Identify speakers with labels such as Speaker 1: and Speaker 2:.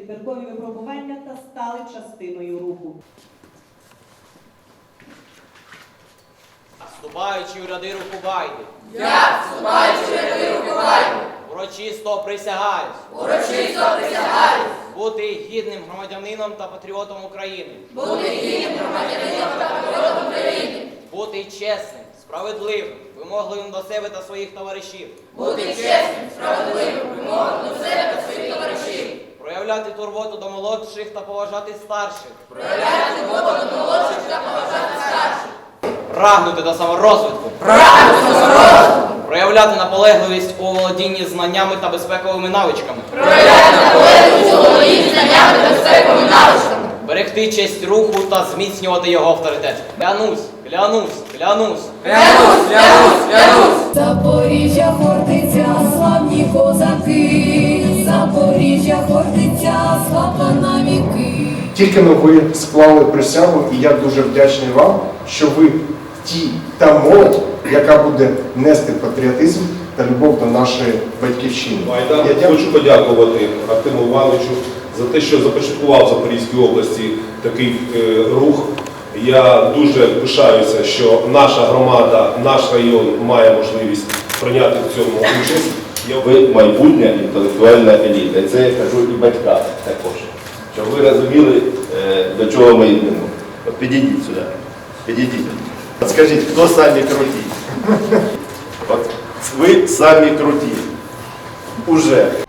Speaker 1: підбіркові випробування та стали частиною руху.
Speaker 2: Вступаючи у ряди Рухубайди,
Speaker 3: Я, вступаючи в ряди Рухубайди,
Speaker 2: урочисто присягаюсь бути гідним громадянином та патріотом України, бути чесним, справедливим, вимогливим до себе та своїх товаришів, проявляти турботу до молодших та поважати старших, прагнути до саморозвитку, проявляти наполегливість у володінні знаннями та безпековими навичками, берегти честь руху та зміцнювати його авторитет. Клянусь.
Speaker 4: Запоріжжя Хортиця, славні козаки, Запоріжжя Хортиця, слава на віки.
Speaker 5: Тільки но ви склали присягу, і я дуже вдячний вам, що ви та молодь, яка буде нести патріотизм та любов до нашої батьківщини.
Speaker 6: Я хочу подякувати Артему Івановичу за те, що започаткував в Запорізькій області такий рух. Я дуже пишаюся, що наша громада, наш район має можливість прийняти в цьому участь.
Speaker 7: Ви майбутня інтелектуальна еліта. І це я кажу і батькам також. Щоб ви розуміли, до чого ми йдемо. От підійдіть сюди. Підійдіть. От скажіть, хто самі круті? От ви самі круті. Уже.